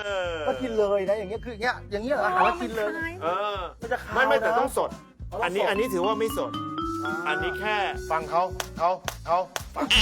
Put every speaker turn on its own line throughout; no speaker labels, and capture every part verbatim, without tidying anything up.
ก็กินเลยนะอย่างเงี้ยคืออย่างเงี้ยอย่างเงี้ยอาหารแล้วกินเลย
เออ
มันจะขาว
ไม่ไม่แต่
นะ
ต้องสด อันนี้อันนี้ถือว่าไม่สด อันนี้แค่ฟังเขาเขาเขาฟัง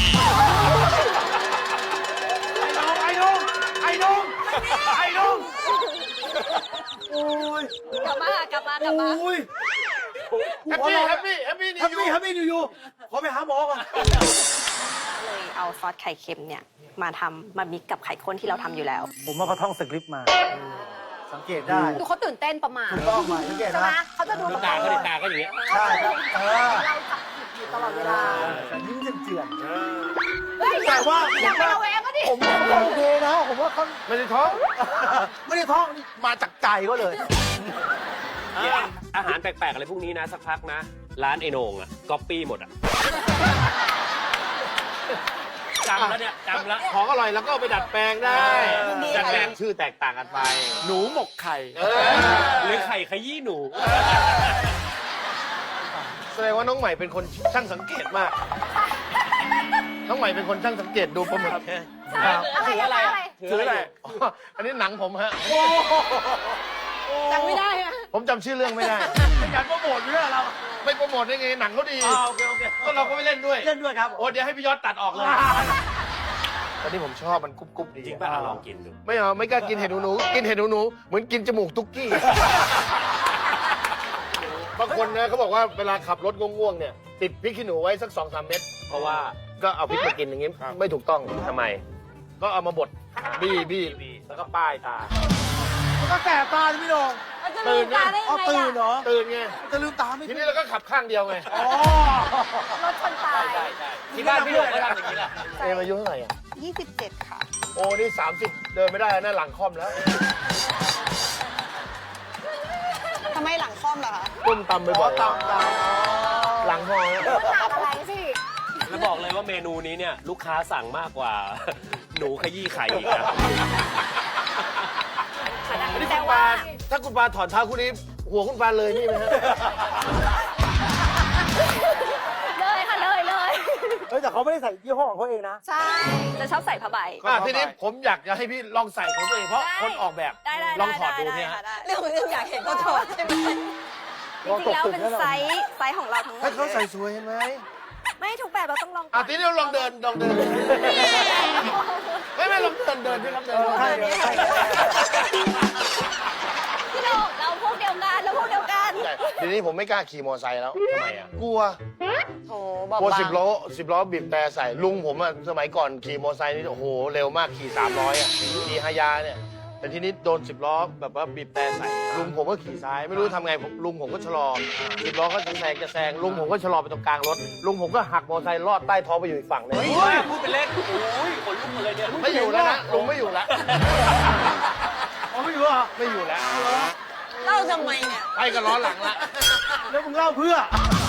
ไอ้น้องไอ้น้องไอ้น้อง
โอ้ย
กลับมากลับมากลับมา
โอ้ย
แฮปปี้แฮปปี้แฮปปี้นิ
แฮ
ว
ป
ยู
ปี้แฮปปี้นิวยูขอไปหาหมอก่อน
เลยเอาซอสไข่เค็มเนี่ยมาทำมามิกกับไข่ข้นที่เราทำอยู่แล้ว
ผมว่าเขาท่องสคริปต์มา สังเกตได้
ดูเขาตื่นเต้นประมาณ
ถูกต้องมาสังเกต
ใช่ไหม
นะ
เขาจะดู
ตาก็ดิตาก็อย่างเงี้ย
ใช่ครับเออ
เราจับผิดอยู่ตลอดเวลา
แต่ยิ้มเจือน
เฮ้ย
แต่ว่า
อย่าไประแวงก็ดิ
ๆผมว่าโอเคนะ ผมว่าเขา
ไม่ได้ท้อง
ไม่ได้ท่องมาจากใจก็เลย
อาหารแปลกๆอะไรพวกนี้นะสักพักนะ ร้านไอโหนงอ่ะก๊อปปี้หมดอ่ะจำแล้วเนี่ยจำแล้ว
ของอร่อยแล้วก็เอาไปดัดแปลงได้
ดัดแปลง
ชื่อแตกต่างกันไป หนูหมกไข่
หรือไข่ขยี้หนู
แสดงว่าน้องใหม่เป็นคนช่างสังเกตมาก น้องใหม่เป็นคนช่างสังเกตดูปลาหมึก
อะไรอะไรอะไร
ถืออะไรอ๋ออันนี้หนังผมฮะ
จำไม่ได้อะ
ผมจำชื่อเรื่องไม่ได้
เป็นการโปรโมทเรื่องเรา
ไม่โปรโมทได้ไงหนังเขาดี
โอเคโอเค
ก็เราก็ไม่เล่นด้วย
เล่นด้วยครับ
โอ้เดี๋ยวให้พี่ยอดตัดออกเลยตอนนี้ผมชอบมันกรุบกรุบดี
จริงป่ะอ่ะลองกินดู
ไม่เอาไม่กล้ากินเห็ดหนูหนูกินเห็ดหนูหนูเหมือนกินจมูกตุ๊กกี้ บางคนนะเขาบอกว่าเวลาขับรถง่วงๆเนี่ยติดพริกขี้หนูไว้สักสองสามเม็ด
เพราะว่า
ก็เอาพริกมากินอย่างงี้ไม่ถูกต้อง
ทำไม
ก็เอามาบดบี้บี้แล้วก็ป้ายตา
มันก็แสบตาใช่ไหมพี่โดง
มันจะลืมตาได้
เอา
ยังไง
ตื่นเหร
อะ
อ
ตื่นไง
จะลืมตาไม่
ทีนี้เราก็ขับข้างเดียวไง
อ๋อ
รถชนตาย
ที่บ้านพี่โดงก็ทำอย่างนี้แหละ
เอ็มอายุเท่าไหร่อ่ะ
ยี่สิบเจ็ดค่ะ
โอ้นี่สามสิบเดินไม่ได้แล้วนะหลังค่อมแล้ว
ทำไมหลังค่อมล่ะคะ
ก้มตำไปบ่อย
ตามตาม
หลังพอแล้ว
ก็ถามอะไรสิ
แล้วบอกเลยว่าเมนูนี้เนี่ยลูกค้าสั่งมากกว่า หนูขยี้ไข่อีกนะ
นี่
แต่
คุณ
ว่า
ปาถ้าคุณปาถอนเท้าคู่นี้ หัวคุณปาเลยนี่ไหมฮะ
เลยค่ะเลยเลย
เฮ้ยแต่เขาไม่ได้ใส่ยี่ห้อของเขาเองนะ
ใช่ จะชอบใส่ผ้าใบ
อ่ะทีนี้ผมอยากจะให้พี่ลองใส่ของตัวเองเพราะ
ได้
คนออกแบบ
ได้ได้
ลองถอดดู
ไ
เนี่ยฮะ
ได้เรื่องเรื่องอยากเห็นก็ถอดใช่ไหมจริงๆแล้วเป็นไซส์ไซส์ของเราทั้งหม
ให้
ด
เขาใส่สวยเห็นไหม
ไม่ทุกแบบเราต้องลองก่
อ่ะ
อน
ทีนี้เราลองเดินลองเดินไม่ไม่ลองเดินเดินพี่ลองเดิน
ใช่ใช่ใช่
พี่โดเราพวกเดียวกันเราพวกเดียวกัน
ใช่ทีนี้ผมไม่กล้าขี่มอเตอร์ไซค์แล้ว
ทำไมอ่ะ
กลัว
โถบอก
กลัว
บาง
สิบล้อสิบล้อบีบแต่ใส่ลุงผมอะสมัยก่อนขี่มอเตอร์ไซค์นี่โอ้โหเร็วมากขี่สามร้อยอะขี่ฮายาเนี่ยแต่ทีนี้โดนสิบล้อแบบว่าบีบแต่ใส่ลุงผมก็ขี่ซ้ายไม่รู้ทำไงผมลุงผมก็ชะลอสิบล้อก็จะแซงจะแซงลุงผมก็ชะลอไปตรงกลางรถลุงผมก็หักมอเตอร์ไซค์ลอดใต้ท้องไปอยู่อีกฝั่งหนึง
เฮ้ยพูดเป็นเล่นโอ้ยขนลุกเลยเนี่ย
ไม่อยู่แล้วนะลุงไม่อยู่แล้ว
อ๋อไม่รู้เหรอ
ไม่อยู่แล้ว
เล่าทำไมเนี่ย
ไปกับล้อหลังละ
แล้วมึงเล่าเพื่อ